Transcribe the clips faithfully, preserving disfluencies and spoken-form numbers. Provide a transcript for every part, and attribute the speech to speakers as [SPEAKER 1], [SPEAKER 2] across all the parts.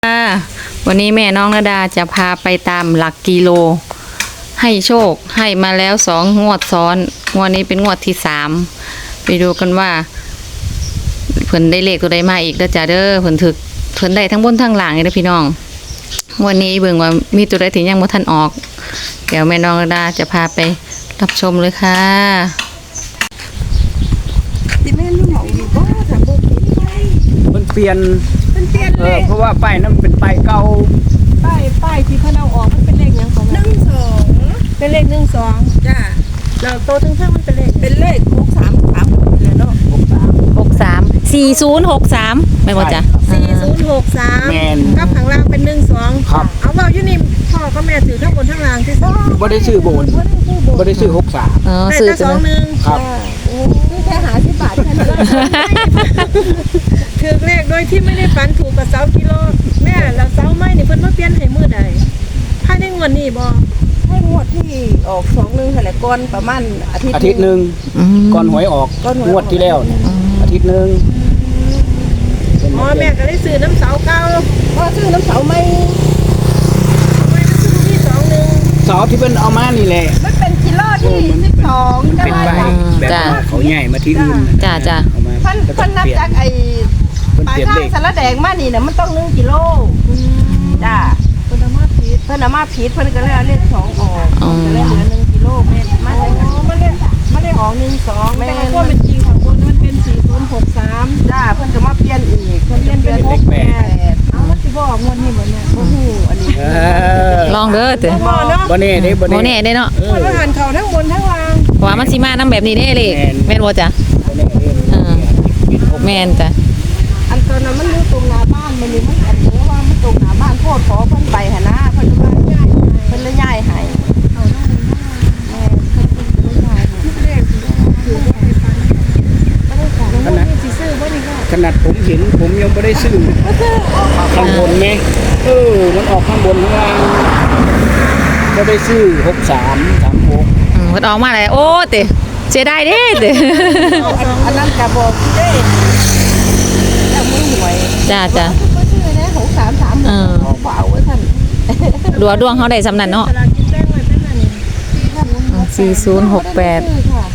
[SPEAKER 1] ค่ะวันนี้แม่น้องระดาจะพาไปตามหลักกิโลให้โชคให้มาแล้วสองงวดซ้อนงวดนี้เป็นงวดที่สามไปดูกันว่าเพิ่นได้เลขตัวใดมาอีกเด้อจ้าเด้อเพิ่นถึกเพิ่นได้ทั้งบนทั้งล่างเลยเด้อพี่น้องวันนี้เบิ่งว่ามีตัวใดที่ยังบ่ทันออกเดี๋ยวแม่น้องระดาจะพาไปรับชมเลยค่ะ
[SPEAKER 2] สิแม่นหมองดีบ่ถ้าบ่ผิดไป
[SPEAKER 3] มันเปลี่ยน
[SPEAKER 2] มันเปลี่ยน
[SPEAKER 3] เอ
[SPEAKER 2] เล
[SPEAKER 3] อ
[SPEAKER 2] ข
[SPEAKER 3] เพราะว่าป้ายนั้นเป็นป้ายเก่า
[SPEAKER 2] ป้ายป้ายที่เพิ่นเอาออกมันเป็นเลขหยังของมันหนึ่งสองเป็นเลขหนึ่งสองจ้าแล้วโตถึงข้างมันเป็นเลขเป็นเลขหกสามสามเลยเนาะหกสาม
[SPEAKER 1] หกสาม สี่ศูนย์หกสามแม่นบ่จ้ะ
[SPEAKER 2] สี่ศูนย์หกสาม
[SPEAKER 3] แมน
[SPEAKER 2] กับข้างล่างเป็นหนึ่งสอง
[SPEAKER 3] ครับ
[SPEAKER 2] เอาเว้าอยู่นี่พ่อกับแม่ถือทั้งบนทั้งล่างที่สุด
[SPEAKER 3] บ่ได้ซื้อโบนบ่ได้ซื้อหกสาม
[SPEAKER 1] อ๋อ
[SPEAKER 2] ได้
[SPEAKER 1] ซื้อ
[SPEAKER 2] แต่
[SPEAKER 1] ตั
[SPEAKER 2] ส
[SPEAKER 1] ว
[SPEAKER 2] อง
[SPEAKER 1] นึง
[SPEAKER 2] หนึ่ง
[SPEAKER 3] ครับ
[SPEAKER 2] โอ้แค่หาสิบบาทแค่นั้นถือเลขโดยที่ไม่ได้ฝันถูกกับเสากิโลแม่แล้วเสาไม้นี่เพิ่นมาเปลี่ยนให้มื้อใดภายในงวดนี้บ่ให้งวดที่ออกสองหนึ่งหั่นแหละก่อนประมาณอาทิตย์
[SPEAKER 3] อาทิตย์หนึง
[SPEAKER 1] อืม
[SPEAKER 3] ก่อนหวยออก
[SPEAKER 2] ก่อนหวยออก
[SPEAKER 3] งวดที่แล้วเนี่ยอาทิตย์หนึง
[SPEAKER 2] อ๋อแม่ก็ได้ซื้อน้ำเสาเก่าพ่อซื้อน้ำเสาไม่ไม่ได้ซื้อที่สองหนึ่ง
[SPEAKER 3] เสาที่เพิ่นเอามานี่แหละ
[SPEAKER 2] มันเป็นกิโลที่สิบสอง
[SPEAKER 3] มันเป็นใบแบบว่าเขาใหญ่มาที่อื่นนะ
[SPEAKER 1] จ้าจ้า
[SPEAKER 3] เอามา
[SPEAKER 2] พันพันนับจากไอ้
[SPEAKER 3] เพิ่น
[SPEAKER 2] ปลา
[SPEAKER 3] เปลี่ยน
[SPEAKER 2] ข้า
[SPEAKER 3] เล
[SPEAKER 2] ง
[SPEAKER 3] ข
[SPEAKER 2] สารแดงมานี่เนี่ยมันต้องหนึ่งกิโลจ้าเพิ่นเอามาผิดเพิ่นเอามาผิดเพิ่นก็เลยเอาเลขสองออกก็เลยเหลือหนึ่งกิโลเมตรมาเลยมันเลยมันเลยออกหนึ่งสองแต่ว่าเป็นจริงของคนมันเป็นสี่ศูนย์หกสามจ้าเพิ่นก็มาเปลี่ยนอีกเพิ่นเปลี่ยนเป็นหกแปดเอามันสิบ่ออกงวดนี้บ่เนี่ยบ่ฮู้อันนี้
[SPEAKER 3] เออ
[SPEAKER 1] ลองเด้อเด้อ
[SPEAKER 2] บ่เนาะ
[SPEAKER 3] บ่แน่เด้บ่
[SPEAKER 1] โม
[SPEAKER 3] แน่
[SPEAKER 1] แน่ได้เนาะ
[SPEAKER 3] เออ
[SPEAKER 2] มันหันเขาทั้งบนทั้งล่าง
[SPEAKER 1] ว่ามันสิมานํแบบนี้เด้เลย
[SPEAKER 3] แม่น
[SPEAKER 1] แม่นบ่จ้ะ
[SPEAKER 3] บ่แน่เด้
[SPEAKER 1] อ่า
[SPEAKER 3] เป็นหก
[SPEAKER 1] แม่นจ้ะ
[SPEAKER 2] อันตอนนั้นมันอยู่ตรงหน้าบ้านมันนี่มันอันเนี้ว่ามันตรงหน้าบ้านโพดขอเพิ่นไปหนนะเพิ่นว่าย้ายเพิ่นเลยย้ายให้เอาได้แม่เพิ่นเพิ่นเลยย้ายให้เลขคือบ่ได้ฟันบ่ได้ฟันแล้วมันสิซื้อบ่นี่ก็
[SPEAKER 3] ขนาดผมเห็นผมยังบ่ได้ซื้อข้างบนแม่เออมันออกข้างบนข้างล่างบ่ได้ซื้อหกสามสามหก
[SPEAKER 1] อืมเพิ่นออกมาแล้วโอ้เด้เสียดายเด้เด้
[SPEAKER 2] อันนั้นก็บอกเด้เจ้ามือหวย
[SPEAKER 1] จ้าจ้า
[SPEAKER 2] บ่ซื้อนะหกสามสาม
[SPEAKER 1] เออ
[SPEAKER 2] บ่เอาไว้ท่าน
[SPEAKER 1] ดัวดวงเฮาได้สำนั้นเนาะ
[SPEAKER 2] สลากกินแบ่งไว้เป็นอันนี้
[SPEAKER 1] สี่ศูนย์หกแปด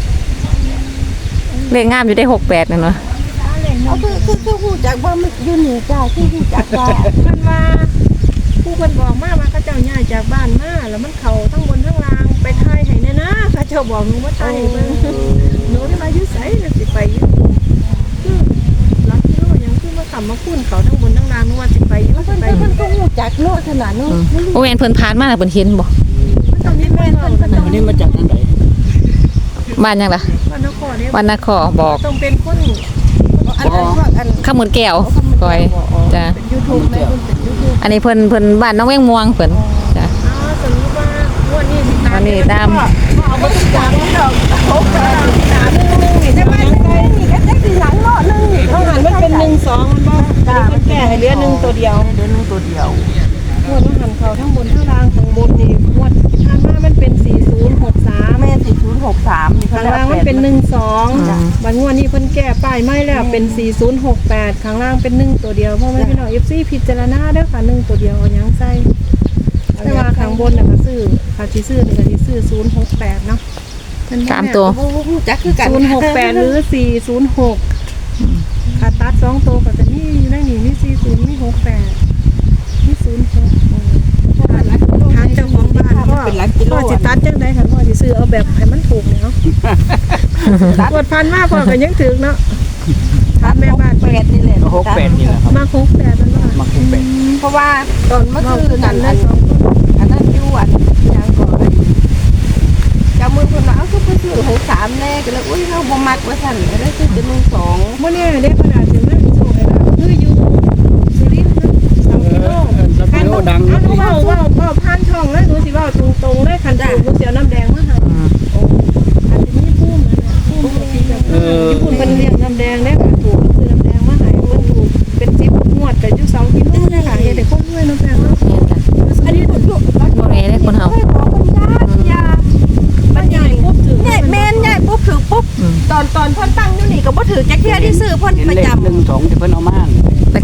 [SPEAKER 1] เลขงามอยู่ได้หกแปดนั่นเนาะ
[SPEAKER 2] เอาคือคือคือฮู้จักว่ามันอยู่นี่จ้าคือฮู้จักว่ามันมาผู้เพิ่นบอกมาว่าเขาเจ้าย้ายจากบ้านมาแล้วมันเข้าทั้งบนทั้งล่างไปทายให้แน่นะเขาเจ้าบอกหนูว่าทายให้เบิ่งหนูนี่มาอยู่ไสน่ะสิไปอยู่คือหลักกิโลยังคือมาขับมาคุ้นเขาทั้งบนทั้งล่างหนูว่าสิไปอยู่เพิ่นเพิ่นก็ฮู้จักเนาะขนาดเนาะ
[SPEAKER 1] อืมโอ้แม่นเพิ่นผ่านมาแล้วเพิ่นเห็นบ่
[SPEAKER 2] มันต้องมีแม่นเพิ่นเพิ่นต้อง
[SPEAKER 3] วันนี้มาจากทางไหน
[SPEAKER 1] บ้านยังล่ะ
[SPEAKER 2] วันนครเนี่ย
[SPEAKER 1] วันนครบอก
[SPEAKER 2] ต้องเป็นคนอันนั้นพวกอัน
[SPEAKER 1] ข้าวหมูแก้วก้อยจ้ะ
[SPEAKER 2] เป็น YouTube แม่เพิ่นเป็น YouTube
[SPEAKER 1] อันนี้เพิ่นเพิ่นบ้านน้องแวงม่วงเพิ่นจ้ะ
[SPEAKER 2] อ๋อสมมุติว่างวดนี้สิตาม
[SPEAKER 1] วันนี้ตาม
[SPEAKER 2] เอาบ่ต้องตามดอกโอ้ตามตามนึงนึงนี่ได้บ้านใกล้นี่ก็ได้สิหลังเนาะนึงนี่เขาหันมันเป็นหนึ่งสองมันบ่อันนี้เพิ่นแก้ให้เหลือหนึ่งตัวเดียวเหลือหนึ่งตัวเดียวงวดมันหันเขาทั้งบนทั้งล่างข้างบนนี่งวดผ่านมามันเป็นสี่ศูนย์หกสามแม่สี่ศูนย์หกสามนี่ข้างล่างมันเป็นหนึ่งสองบัดงวดนี้เพิ่นแก้ป้ายไม้แล้วเป็นสี่ศูนย์หกแปดข้างล่างเป็นหนึ่งตัวเดียวเพราะมันพี่น้อง เอฟ ซี พิจารณาเด้อค่ะหนึ่งตัวเดียวเอาหยังใส่แต่ว่าข้างบนน่ะก็ซื้อค่ะสิซื้อนี่ก็สิซื้อศูนย์หกแปดเนาะ
[SPEAKER 1] สามตัว
[SPEAKER 2] จักคือกันศูนย์หกแปดหรือสี่ศูนย์หกค่ะตัดสองตัวก็จะมีอยู่ในนี่มีสี่ศูนย์มีหกแปดมีศูนย์หกทางเจ้าของบ้านก็พ่อสิตัดจังได๋ค่ะพ่อสิซื้อเอาแบบให้มันถูกนี่เนาะกดพันมาพ่อก็ยังถึกเนาะถามแม่บ้าน
[SPEAKER 4] แปดนี่แหละ
[SPEAKER 3] หกแปดนี่แหละครับ
[SPEAKER 2] มาหกแปดมันว่า
[SPEAKER 3] มาหกแปด
[SPEAKER 4] เพราะว่าตอนเมื่อคืน
[SPEAKER 2] กั
[SPEAKER 4] นั่
[SPEAKER 2] น
[SPEAKER 4] น
[SPEAKER 2] ได้
[SPEAKER 4] อัน
[SPEAKER 2] สองคน
[SPEAKER 4] อันนั้นอยู่อันยางก่อนเจ้ามือคนว่าเอาคือเพิ่นซื้อหกสามแน่ก็เลยอุ้ยเราบ่มักว่าซั่นก็เลยซื้อเป็นหนึ่งสอง
[SPEAKER 2] มื่อนี้ได้ขนาดถึงนั่นโซ่เลยนะคืออยู่สุรินทร์นะสามกิโล
[SPEAKER 3] แล้วกิโลดัง
[SPEAKER 2] อันนู้นเว่าเว่าเว่าผ่านช่องเลยหนูสิเว่าตรงตรงๆเลยคันถูกหนูเสียวน้ำแดงมาให้
[SPEAKER 1] อืม
[SPEAKER 2] โอ้อันนี้พุ่มนะพุ่มที่จะญี่ปุ่นเป็นเลี้ยงน้ำแดงได้ค่ะถูกก็คือน้ำแดงมาให้เพิ่นถูกเป็นสิบงวดกับอยู่สองกิโลได้ค่ะเฮ็ดให้คนด้วยน้ำแดงเนาะ
[SPEAKER 1] แม่นจ้ะ
[SPEAKER 2] อันนี้ถูก
[SPEAKER 1] บ่แม่นเด้คนเฮา
[SPEAKER 4] เฮ้ยขอคนยากยา
[SPEAKER 2] มันใหญ่ปุ๊บถึง
[SPEAKER 4] ใหญ่แม่นใหญ่ปุ๊บถือปุ๊บ
[SPEAKER 1] อืม
[SPEAKER 4] ตอนตอนเพิ่นตั้งอยู่นี่ก็บ่ถือจักเที่ยที่ซื้อเพิ่น
[SPEAKER 3] เห็น
[SPEAKER 4] ประ
[SPEAKER 3] เลข
[SPEAKER 4] จำ
[SPEAKER 3] หนึ่งสองที่เพิ่นเอามา
[SPEAKER 1] ตะ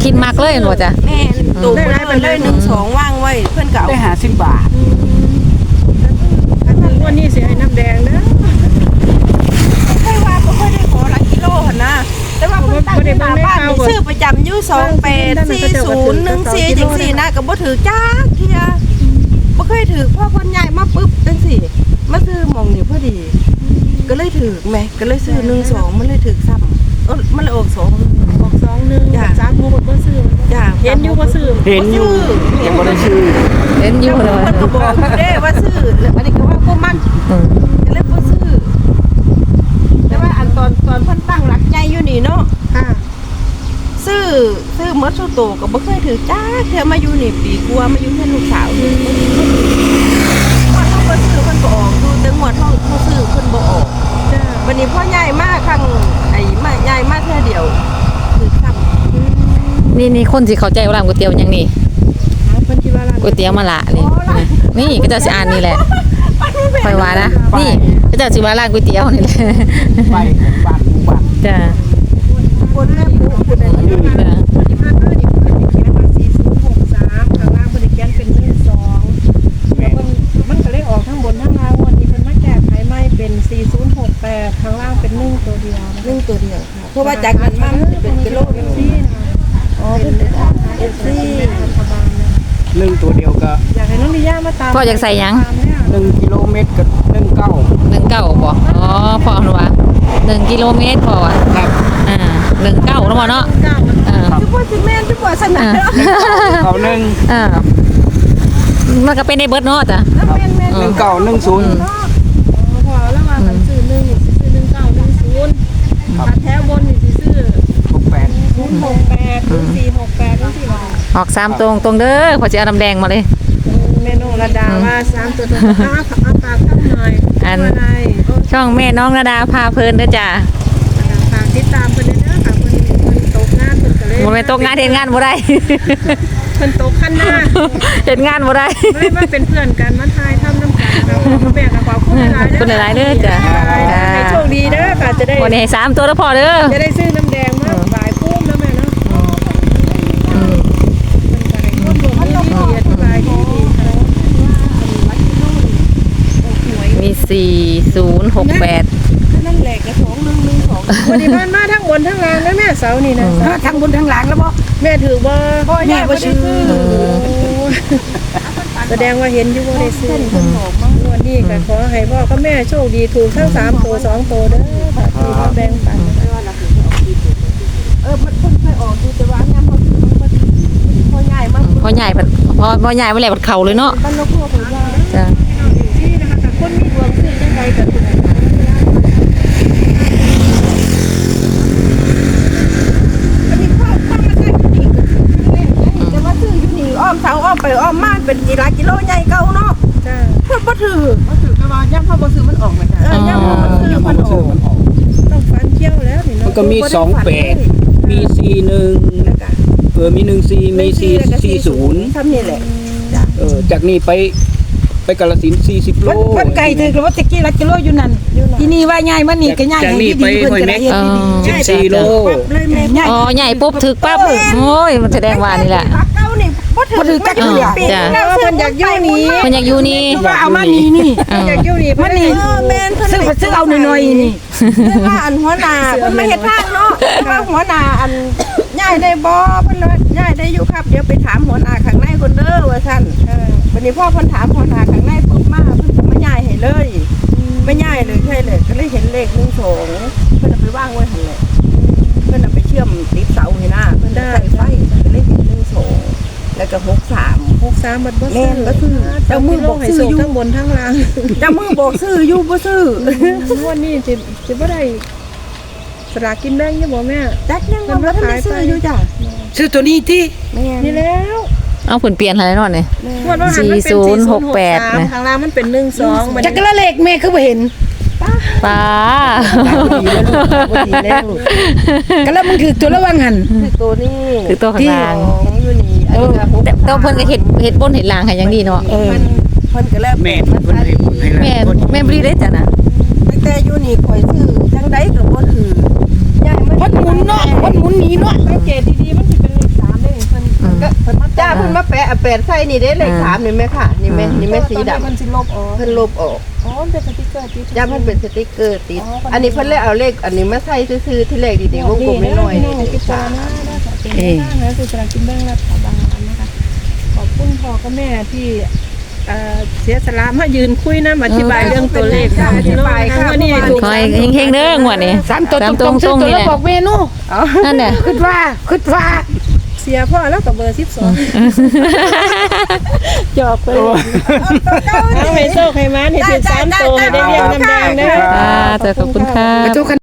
[SPEAKER 1] คิดมากเลยบ่จ้ะ
[SPEAKER 4] แม่นตูบ่ได้มันเลยหนึ่งสองว่างไว้เพิ่นก็เอา
[SPEAKER 3] ได้หาสิบบาท
[SPEAKER 2] อันนั้นวันนี้สิให้น้ำแดงเด้อ
[SPEAKER 4] ค่อยว่าบ่ค่อยได้ขอหลักกิโลหั่นนะแต่ว่าเพิ่นตั้งที่หน้าบ้านนี่ซื้อประจำอยู่สองแปดสี่ศูนย์หนึ่งสี่จังซี่นะก็บ่ถือจักเที่ยบ่เคยถือพอเพิ่นย้ายมาปึ๊บจังซี่มาซื้อหม่องนี่พอดี ก็เลยถือแหมก็เลยซื้อหนึ่งสองมันเลยถือซ้ำเออมันเลยออกสอง
[SPEAKER 2] ออกสองหนึ่ง
[SPEAKER 4] จ้ะ
[SPEAKER 2] สามหกบ่ซื้อ
[SPEAKER 4] จ้า
[SPEAKER 2] เห็นอยู่บ่ซื้อ
[SPEAKER 3] เห็นอยู่ยังบ่ได้ซื้อ
[SPEAKER 1] เห็นอยู่เลย
[SPEAKER 4] มันก็บอกอยู่เด้ว่าซื้อแล้วอันนี้ก็ว่าพวกมัน
[SPEAKER 1] อืม
[SPEAKER 4] ก็เลยบ่ซื้อแต่ว่าอันตอนตอนเพิ่นตั้งหลักใจอยู่นี่เนาะ
[SPEAKER 2] ค่ะ
[SPEAKER 4] ซื้อซื้อหมดสุโตก็บ่เคยถือจ้าเทื่อมาอยู่นี่ปีกว่ามาอยู่แค่ลูกสาวนี่ว่าเฮาบ่ซื้อเพิ่นบ่ออกดูแต่งวดเฮาเฮาซื้อเพิ่นบ่ออก
[SPEAKER 2] จ้า
[SPEAKER 4] วันนี้พ่อใหญ่มากครั้งไอ้มาใหญ่มากเท่าเดียวคือซ้ำ
[SPEAKER 1] นี่นี่คนสิเข้าใจว่าร้านก๋วยเตี๋ยวหยังนี่
[SPEAKER 2] เอาเพิ่นคิดว่าร้าน
[SPEAKER 1] ก๋วยเตี๋ยวมะละนี่นี่ก็เจะสิอ่านนี่แหละค่อยว่านะนี่ก็เจะสิว่าร้านก๋วยเตี๋ยวนี่แหละ
[SPEAKER 3] ไปของบ้านหมู่บ้าน
[SPEAKER 1] จ้ะ
[SPEAKER 4] คนแม่ปุ๊คนอะไรอยู่
[SPEAKER 1] จ้ะ
[SPEAKER 2] ที่ผ่านมานี่เพิ่นเขียนว่าสี่ศูนย์หกสามข้างล่างเพิ่นเขียนเป็นหนึ่งสอง
[SPEAKER 3] แม่
[SPEAKER 2] มันมันก็เลยออกทั้งบนทั้งล่างวันนี้เพิ่นมาแก้ไขใหม่เป็นสี่ศูนย์หกแปดข้างล่างเป็นหนึ่งตัวเดียวนะ
[SPEAKER 4] เรื่องตัวเดียวค่ะเพราะว่าจากนั้นมามันจะเป็นกิโลนึง
[SPEAKER 2] ซี่นะอ๋อเป็นเอฟซีรัฐบาลนะ
[SPEAKER 3] หนึ่งตัวเดียวก็
[SPEAKER 2] อยากให้น้องดิย่ามาตาม
[SPEAKER 1] พ่ออยากใส่หยัง
[SPEAKER 2] ตามเนี่ย
[SPEAKER 3] หนึ่งกิโลเมตรกับหนึ่งเก้า
[SPEAKER 1] หนึ่งเก้าบ่อ๋อพ่อว่าหนึ่งกิโลเมตรพ่อว่ะ
[SPEAKER 3] ครับ
[SPEAKER 1] อ่าหนึ่งเก้าแล้วบ่เนาะ
[SPEAKER 2] เก้ามัน
[SPEAKER 1] อ่า
[SPEAKER 4] ทุกคนสิแม่นทุกคนสนา
[SPEAKER 1] อ่า
[SPEAKER 3] เขาหนึ่ง
[SPEAKER 1] อ่ามันก็เป็นในเบิดเนาะจ้ะ
[SPEAKER 4] แล้วแม่นแม่น
[SPEAKER 3] หนึ่งเก้าหนึ่งศูนย์
[SPEAKER 2] อ๋อพอแล้วมากันซื้อหนึ่งนี่สิซื้อหนึ่งเก้าหนึ่งศูนย์
[SPEAKER 3] ครับ
[SPEAKER 2] ถ้าแท้บนนี่สิซื้อ
[SPEAKER 3] หกแปด
[SPEAKER 2] ศูนย์หกแปดศูนย์สี่หกแปดศูนย์สี่หก
[SPEAKER 1] ออกสามตรงตรงเด้อพอจะเอาน้ำแดงมาเลย
[SPEAKER 2] เมนูระดาว่าสามตัวตัวข้าวเอาปากข้างหน่อย
[SPEAKER 1] อัน
[SPEAKER 2] อะไรโอ้
[SPEAKER 1] ช่องแม่น้องระดาพาเพลินเด้อจ้ะ
[SPEAKER 2] ฝากติดตามเพิ่นเด้อค่ะเพิ่นเพิ่นตกงานเพิ่นก็เลย
[SPEAKER 1] บ่แม่นตกงานเฮ็ดงานบ่ได้
[SPEAKER 2] เพิ่นตกขั้นหน้า
[SPEAKER 1] เฮ็ดงานบ่ได้
[SPEAKER 2] ไม่มาเป็นเพื่อนกันมาทายทำน้ำกันเราแบ่งกับขอบคุณหลายๆเด้อ
[SPEAKER 1] คุณหลายๆเด้อจ้ะ
[SPEAKER 2] ให้โชคดีเด้อค่ะจะได้
[SPEAKER 1] วันนี้ให้สามตัวแล้วพอเด้อ
[SPEAKER 2] จะได้ซื้อน้ำแดงมาบ่ายพุ่มแล้วแม่เนาะ
[SPEAKER 1] อืม
[SPEAKER 2] มันก็ให้ร่วมรวมดีๆอธิบายดีๆค่ะ
[SPEAKER 1] มีสี่ศูนย์หกแปด
[SPEAKER 4] นั่นแหละกระสองหนึ่งหนึ่งสอง
[SPEAKER 2] วันนี้ผ่านมาทั้งบนทั้งล่างนะแม่เสานี่นะ
[SPEAKER 4] ทั้งบนทั้งหลังแล้วบ่
[SPEAKER 2] แม่ถือว่า
[SPEAKER 4] พ่อใหญ่บ่ซื้อ
[SPEAKER 2] แสดงว่าเห็นอยู่ว่าได้ซื้อวันนี้ก็ขอให้พ่อกับแม่โชคดีถูกทั้งสามตัวสองตัวเด้อค่ะที่มาแบ่งปัน
[SPEAKER 4] เออมันเพิ่นเคยออกดูแต่ว่ายามเขาซื้อมันพ่อใหญ่มาก
[SPEAKER 1] พอใหญ่บัดพอพอใหญ่มาแล้วบัดเข่าเลยเนาะ
[SPEAKER 4] บ้านนกพวกของยาย
[SPEAKER 1] จ้ะ
[SPEAKER 2] ที่นะคะแต่คนมีดวงซื้อจังใดก็ถูก
[SPEAKER 4] อันนี้พ่อพ่อมาได้อยู่นี่แต่ว่าซื้ออยู่นี่อ้อมเสาอ้อมไปอ้อมมาเป็นกี่หลายกิโลใหญ่เก่าเนาะ
[SPEAKER 2] จ้า
[SPEAKER 4] เพิ่นบ่ถือ
[SPEAKER 2] ก็ถือก็ว่าย่ำพ่อบ่ซื้อมันออกมาจ้ะ
[SPEAKER 4] เออย่ามพ่อบ่ซื้อ
[SPEAKER 3] ยัง
[SPEAKER 4] เพิ่
[SPEAKER 3] มัน
[SPEAKER 4] นอ
[SPEAKER 3] ซื้
[SPEAKER 4] อ
[SPEAKER 3] อก มันออก
[SPEAKER 2] ต้องฟันเที่ยวแล้วนี่
[SPEAKER 3] มัน
[SPEAKER 2] เนาะ
[SPEAKER 3] ก็มีสองแปดมีสี่หนึ่งเออมีหนึ่งสี่มีสี่สี่ศูนย์
[SPEAKER 4] ทำนี่แหละ
[SPEAKER 3] เออจากนี้ไปไปกาฬสินธุ์สี่สิบโล
[SPEAKER 5] มันไก่ถือกับว่าตะกี้ละกิโลอยู่นั่นที่นี่ว่าง่ายมันนี่ก็ง่าย
[SPEAKER 3] จากนี้
[SPEAKER 5] ให้ดี
[SPEAKER 3] ไป
[SPEAKER 5] เพิ่น
[SPEAKER 3] ห้วย
[SPEAKER 5] ก็
[SPEAKER 3] แม็
[SPEAKER 5] ได้
[SPEAKER 3] ก
[SPEAKER 5] เฮ็ด
[SPEAKER 1] อ๋อ
[SPEAKER 5] ดี
[SPEAKER 3] สิบสี่โล
[SPEAKER 4] เลยแม่
[SPEAKER 5] ง่าย
[SPEAKER 1] อ๋อใหญ่ปุ๊บถึกปั๊บโอ้ยมันแสดงว่านี่แหละ
[SPEAKER 4] พักเก่านี่บ่ถือ
[SPEAKER 5] บ่ถือจัก
[SPEAKER 4] ไม่
[SPEAKER 5] เทื่อ
[SPEAKER 4] ปี
[SPEAKER 1] จ้ะ
[SPEAKER 4] แล้วเพิ่นอยากอยู่นี่
[SPEAKER 1] มันอยากอยู่นี่
[SPEAKER 5] ว่าเอามานี่นี่
[SPEAKER 1] เออ
[SPEAKER 2] อยากอยู่นี่
[SPEAKER 5] มันนี่
[SPEAKER 4] เออแม่นเพิ่น
[SPEAKER 5] ซื้อซื้อเอาหน่อยๆนี่
[SPEAKER 4] เพิ่นว่าอันหัวหน้าเพิ่นมาเฮ็ดทางเนาะว่าหัวหน้าอันย้ายได้บ่เพิ่นว่าย้ายได้อยู่ครับเดี๋ยวไปถามหัวหน้าข้างในคนเด้อว่าซั่น
[SPEAKER 2] เออ
[SPEAKER 4] วันนี้พ่อเพิ่นถามหัวหน้าข้างในปุ๊บมาเพิ่นก็มาย้ายให้เลยไม่ย้ายเลยใช่เลยก็เลยเห็นเลขหนึ่งสองเพิ่นเอาไปวางไว้หั่นแหละเพิ่นเอาไปเชื่อมติดเสาให้หน้าเพิ่นได้ใส่ไฟก็เลยเห็นหนึ่งสองแล้วก็หกสาม
[SPEAKER 2] หกสามบัดบ่
[SPEAKER 4] แม่
[SPEAKER 2] ซื้อน
[SPEAKER 4] บ่ซื้อเจ้ามือบอกซื้ออยู่
[SPEAKER 2] ทั้งบนทั้งล่าง
[SPEAKER 4] เจ้ามือบอกซื้ออยู่บ่ซื้อ
[SPEAKER 2] วันนี้สิสิบ่ได้สลากกินแบ่งอยู่บ่แม่
[SPEAKER 4] จักยังว่าบ่ทันได้ซื้ออยู่จ้ะ
[SPEAKER 5] ซื้อตัวนี้ที่
[SPEAKER 4] แม่น
[SPEAKER 2] นี่แล้ว
[SPEAKER 1] เอาผลเปลี่ยนอะไรเนาะนี่
[SPEAKER 2] งวดว่าหันมันเป็น
[SPEAKER 1] สี่ศูนย์หกแปด
[SPEAKER 2] สี่ศูนย์หกสาม
[SPEAKER 1] นะ
[SPEAKER 2] ข้างล่างมันเป็นหนึ่งสองมัน
[SPEAKER 5] จักรละเลขแม่คือบ่เห็น
[SPEAKER 1] ป้า
[SPEAKER 5] บ่ดีแล้วก็แล้วมึงถือตัวละวังหัน
[SPEAKER 4] คือตัวนี้
[SPEAKER 1] คือตัวข้างล่าง
[SPEAKER 4] ของอยู่นี่อันนี้ก็หก
[SPEAKER 1] แต่แต่เพิ่นก็เฮ็ดเฮ็ดบนเฮ็ดล่างให้อย่างดีเนาะ
[SPEAKER 4] เพิ่นเพิ่นก็แล้ว
[SPEAKER 3] แม่เพิ่นให้ผลให้
[SPEAKER 1] แม่
[SPEAKER 3] แล้ว
[SPEAKER 1] แม่บ่ได้จ้ะนะ
[SPEAKER 4] ตั้งแต่อยู่นี่ข่อยซื้อจังไดก็บ่ถือย้ายมา
[SPEAKER 5] มันหมุนเนาะมันหมุนหนีเนาะ
[SPEAKER 2] สังเกตดีๆมันสิเป็นเลขสาม
[SPEAKER 1] อืม
[SPEAKER 4] ก็จ้าเพิ่นมาแปะเอาแปดใส่นี่เด้เลข
[SPEAKER 1] อ่า
[SPEAKER 4] สามนี่แม่ค่ะนี่แม่นี่แม่สีดำ
[SPEAKER 2] มันสิลบออก
[SPEAKER 4] เพิ่นลบออก
[SPEAKER 2] อ๋อมันเป็นสติ๊กเกอร์ติด
[SPEAKER 4] จ้ามันเป็นสติ๊กเกอร์ติด
[SPEAKER 2] อ๋อ
[SPEAKER 4] อันนี้เพิ่นเลยเอาเลขอันนี้มาใส่ซื่อๆที่เลขดีๆวงกลมน้อยๆ
[SPEAKER 2] นี่
[SPEAKER 4] นี่
[SPEAKER 2] พิจารณาได้ค่ะเป็นแนวทางนะคือสลากกินแบ่งรัฐบาลนะคะขอบคุณพ่อกับแม่ที่เอ่อเสียสละมายืนคุยนะอธิบายเรื่องตัวเลขค่ะอธิบายค่ะวันนี้ถูก
[SPEAKER 1] คอยเฮงๆเด้องวดนี้
[SPEAKER 5] สามตัวต
[SPEAKER 1] ต
[SPEAKER 5] รงๆ
[SPEAKER 1] ตรง
[SPEAKER 5] ตัว
[SPEAKER 1] นี่
[SPEAKER 5] แล้
[SPEAKER 1] แห
[SPEAKER 5] ว
[SPEAKER 1] ละ
[SPEAKER 5] บอกเมนู
[SPEAKER 1] นั่นน่ะ
[SPEAKER 5] คิดว่าคิดว่า
[SPEAKER 2] เสียพ่อแล้วกับเบอร์สิบสองจอกไปเอาให้โชคให้มันให้ถึงสามตัวให้ได้เรียงน้ำแดงเด้อ
[SPEAKER 1] อ่าแต่ขอบคุณค่ะ
[SPEAKER 5] กระจก